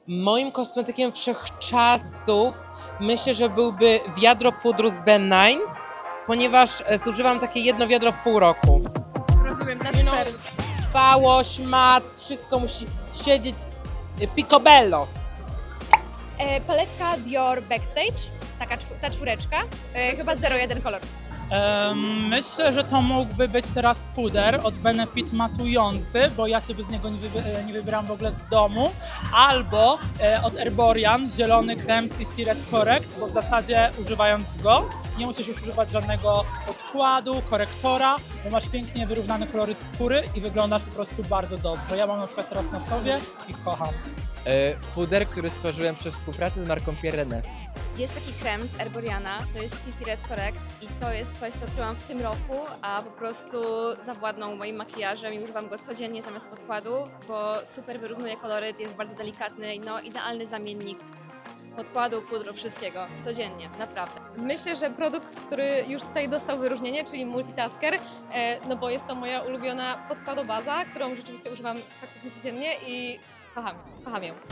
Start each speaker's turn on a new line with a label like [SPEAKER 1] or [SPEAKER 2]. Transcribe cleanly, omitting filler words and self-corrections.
[SPEAKER 1] Moim kosmetykiem wszechczasów myślę, że byłby wiadro pudru z Ben9, ponieważ zużywam takie jedno wiadro w pół roku.
[SPEAKER 2] Rozumiem, na
[SPEAKER 1] No,
[SPEAKER 2] super.
[SPEAKER 1] trwałość, mat, wszystko musi siedzieć picobello.
[SPEAKER 2] Paletka Dior Backstage, ta czwóreczka, chyba 01 kolor.
[SPEAKER 3] Myślę, że to mógłby być teraz puder od Benefit matujący, bo ja się bez niego nie wybieram w ogóle z domu. Albo od Erborian zielony krem CC Red Correct, bo w zasadzie używając go nie musisz już używać żadnego podkładu, korektora, bo masz pięknie wyrównany koloryt skóry i wyglądasz po prostu bardzo dobrze. Ja mam na przykład teraz na sobie i kocham.
[SPEAKER 4] Puder, który stworzyłem przy współpracy z marką Pirene.
[SPEAKER 5] Jest taki krem z Erboriana, to jest CC Red Correct i to jest coś, co odkryłam w tym roku, a po prostu zawładnął moim makijażem i używam go codziennie zamiast podkładu, bo super wyrównuje koloryt, jest bardzo delikatny, no idealny zamiennik podkładu, pudru, wszystkiego, codziennie, naprawdę.
[SPEAKER 6] Myślę, że produkt, który już tutaj dostał wyróżnienie, czyli Multitasker, no bo jest to moja ulubiona podkładobaza, którą rzeczywiście używam praktycznie codziennie i kocham ją.